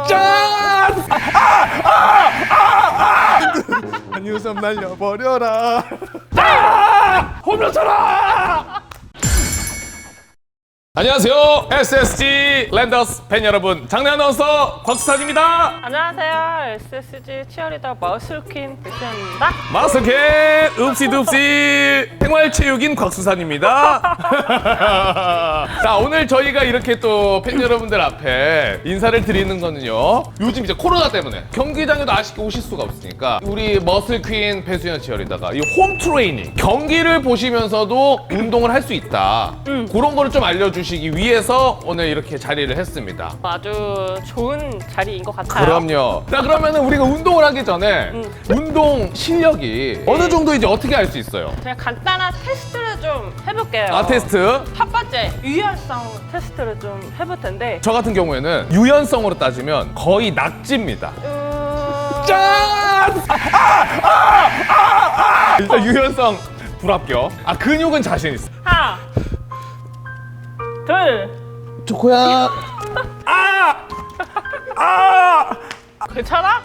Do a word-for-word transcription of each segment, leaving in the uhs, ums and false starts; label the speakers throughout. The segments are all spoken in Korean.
Speaker 1: 짠! 한유섬 날려버려라. 아! 홈런 쳐라! 안녕하세요. 에스에스지 랜더스 팬 여러분, 장내 아나운서 곽수산입니다.
Speaker 2: 안녕하세요. 에스에스지 치어리더 머슬퀸 백수현입니다.
Speaker 1: 마스켓 읍시둡시 생활체육인 곽수산입니다. 자, 오늘 저희가 이렇게 또 팬 여러분들 앞에 인사를 드리는 거는요, 요즘 이제 코로나 때문에 경기장에도 아쉽게 오실 수가 없으니까 우리 머슬퀸 배수현 치어리더가 이 홈 트레이닝, 경기를 보시면서도 운동을 할 수 있다, 음. 그런 거를 좀 알려주시기 위해서 오늘 이렇게 자리를 했습니다.
Speaker 2: 아주 좋은 자리인 것 같아요.
Speaker 1: 그럼요. 자, 그러면은 우리가 운동을 하기 전에
Speaker 2: 음.
Speaker 1: 운동 실력이 어느 정도인지 어떻게 알 수 있어요?
Speaker 2: 제가 간단한 테스트를 좀 해볼게요.
Speaker 1: 아, 테스트.
Speaker 2: 첫 번째, 유연성 테스트를 좀 해볼 텐데.
Speaker 1: 저 같은 경우에는 유연성으로 따지면 거의 낙지입니다.
Speaker 2: 음...
Speaker 1: 짠! 아! 아! 아! 아! 일단 유연성 불합격. 아, 근육은 자신 있어.
Speaker 2: 하나, 둘.
Speaker 1: 조코야. 아! 아!
Speaker 2: 괜찮아?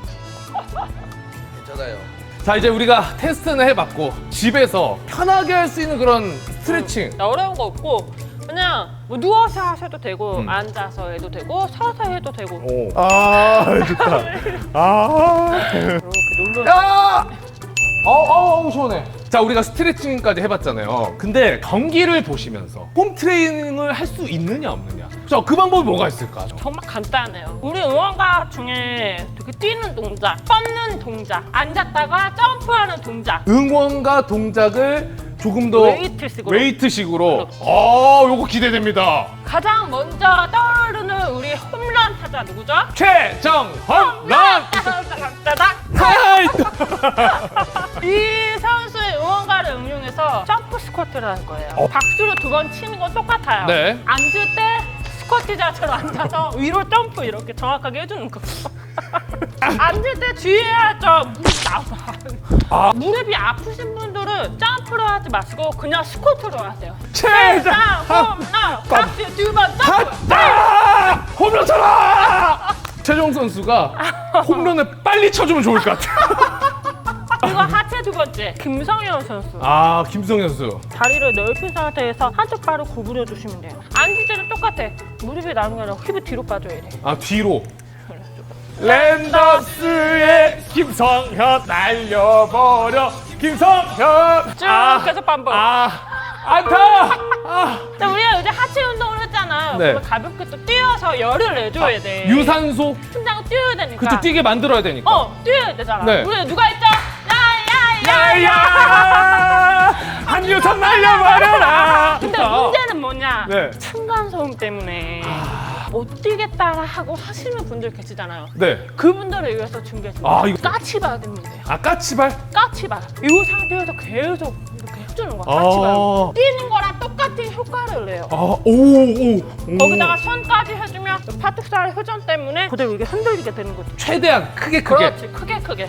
Speaker 1: 괜찮아요. 자, 이제 우리가 테스트는 해봤고 집에서 편하게 할 수 있는 그런 스트레칭.
Speaker 2: 음, 어려운 거 없고 그냥 뭐 누워서 하셔도 되고
Speaker 1: 음.
Speaker 2: 앉아서 해도 되고 서서 해도 되고.
Speaker 1: 오. 아, 좋다. 아.
Speaker 2: 이렇게 놀러.
Speaker 1: 야! 어우, 어, 시원해. 자, 우리가 스트레칭까지 해봤잖아요. 근데 경기를 보시면서 홈 트레이닝을 할 수 있느냐 없느냐. 자, 그 방법이 뭐가 있을까?
Speaker 2: 정말 간단해요. 우리 응원가 중에 되게 뛰는 동작, 뻗는 동작, 앉았다가 점프하는 동작.
Speaker 1: 응원가 동작을 조금 더
Speaker 2: 웨이트식으로.
Speaker 1: 웨이트식으로. 어, 요거 기대됩니다.
Speaker 2: 가장 먼저 떠오르는 우리 홈런 타자 누구죠?
Speaker 1: 최정헌 런.
Speaker 2: 짜잔!
Speaker 1: 하이!
Speaker 2: 이 선수의 응원가를 응용해서 점프 스쿼트를 할 거예요.
Speaker 1: 어.
Speaker 2: 박수를 두 번 치는 건 똑같아요.
Speaker 1: 네.
Speaker 2: 앉을 때 스쿼트 자세로 앉아서 위로 점프 이렇게 정확하게 해주는 거. 앉을 때 주의해야 점 무릎 나와.
Speaker 1: 아.
Speaker 2: 무릎이 아프신 분들은 점프로 하지 마시고 그냥 스쿼트로 하세요.
Speaker 1: 최정
Speaker 2: 홈런 박수 두 번 점프.
Speaker 1: 아! 홈런 쳐라! 최정 선수가 홈런을 빨리 쳐주면 좋을 것 같아.
Speaker 2: 그리고 하체 두 번째 김성현 선수.
Speaker 1: 아, 김성현 선수.
Speaker 2: 다리를 넓힌 상태에서 한쪽 발을 구부려 주시면 돼요. 앉을 때는 똑같아. 무릎이 나는 게 아니라 힙이 뒤로 빠져야 돼.
Speaker 1: 아, 뒤로. 랜더스의 김성현 날려버려. 김성현.
Speaker 2: 쭉
Speaker 1: 아,
Speaker 2: 계속 반복.
Speaker 1: 아, 안타. 아.
Speaker 2: 자, 우리가 요새 하체 운동을 했잖아요.
Speaker 1: 네.
Speaker 2: 그러면 가볍게 또 뛰어서 열을 내줘야 돼.
Speaker 1: 유산소.
Speaker 2: 심장을 뛰어야 되니까.
Speaker 1: 그쵸, 뛰게 만들어야 되니까.
Speaker 2: 어, 뛰어야 되잖아.
Speaker 1: 네.
Speaker 2: 우리 누가 했죠? 야야야야.
Speaker 1: 야야! 한유섬 날려버려라.
Speaker 2: 근데
Speaker 1: 좋다.
Speaker 2: 문제는 뭐냐?
Speaker 1: 네.
Speaker 2: 층간소음 때문에
Speaker 1: 아.
Speaker 2: 못 뛰겠다 하고 하시는 분들 계시잖아요.
Speaker 1: 네.
Speaker 2: 그분들을 위해서 준비했습니다.
Speaker 1: 아, 이거-
Speaker 2: 까치바드면 돼요.
Speaker 1: 아, 까치발?
Speaker 2: 까치바. 이 상태에서 계속 이렇게 해주는 거야.
Speaker 1: 아.
Speaker 2: 까치바. 뛰는 거랑 똑같은 효과를 내요.
Speaker 1: 아, 오, 오. 오.
Speaker 2: 거기다가 손까지 해주면 팔뚝살 회전 때문에 그대로 이게 흔들리게 되는 거죠.
Speaker 1: 최대한 크게 크게.
Speaker 2: 그렇지, 크게 크게.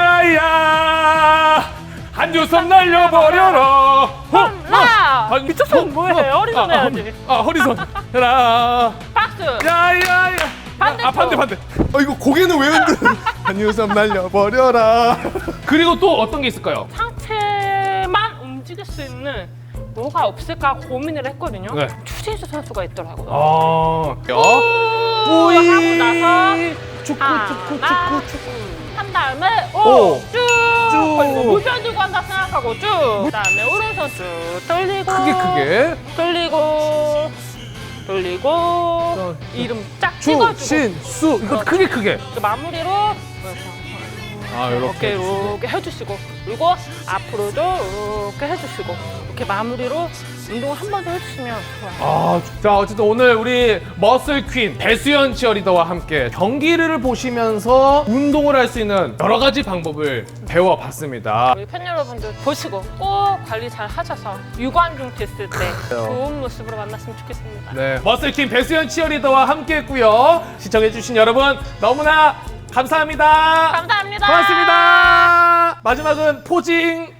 Speaker 1: 야야야! 한유섬 날려버려라.
Speaker 2: 홈라!
Speaker 1: 아니,
Speaker 2: 미쳤어, 뭐해? 허리선
Speaker 1: 아,
Speaker 2: 해야지.
Speaker 1: 아, 허리선 해라.
Speaker 2: 박수!
Speaker 1: 야야야.
Speaker 2: 반대쪽.
Speaker 1: 아, 반대 반대. 아, 이거 고개는 왜 흔들어? 한유섬 날려버려라. 그리고 또 어떤 게 있을까요?
Speaker 2: 상체만 움직일 수 있는 뭐가 없을까 고민을 했거든요.
Speaker 1: 네.
Speaker 2: 추진수 선수가 있더라고요.
Speaker 1: 아,
Speaker 2: 우 하고 나서
Speaker 1: 축구
Speaker 2: 하나,
Speaker 1: 축구 축구 축구.
Speaker 2: 한 다음에
Speaker 1: 오.
Speaker 2: 오, 쭉
Speaker 1: 쭉.
Speaker 2: 벌리고 무편 들고 한다 생각하고 쭉 그다음에 오른손 쭉 돌리고
Speaker 1: 크게 크게.
Speaker 2: 돌리고 돌리고 이름 쫙 찍어주고
Speaker 1: 추신수. 이거 크게 크게.
Speaker 2: 그 마무리로
Speaker 1: 아,
Speaker 2: 이렇게
Speaker 1: 이렇게.
Speaker 2: 이렇게 해주시고 그리고 앞으로도 이렇게 해주시고 이렇게 마무리로 운동을 한 번 더 해주시면 좋아요.
Speaker 1: 아, 자, 어쨌든 오늘 우리 머슬 퀸 배수연 치어리더와 함께 경기를 보시면서 운동을 할 수 있는 여러 가지 방법을 배워봤습니다.
Speaker 2: 우리 팬 여러분들 보시고 꼭 관리 잘 하셔서 유관중 됐을 때 좋은 모습으로 만났으면 좋겠습니다.
Speaker 1: 네, 머슬 퀸 배수연 치어리더와 함께했고요. 시청해주신 여러분 너무나 감사합니다.
Speaker 2: 감사합니다.
Speaker 1: 고맙습니다. 마지막은 포징.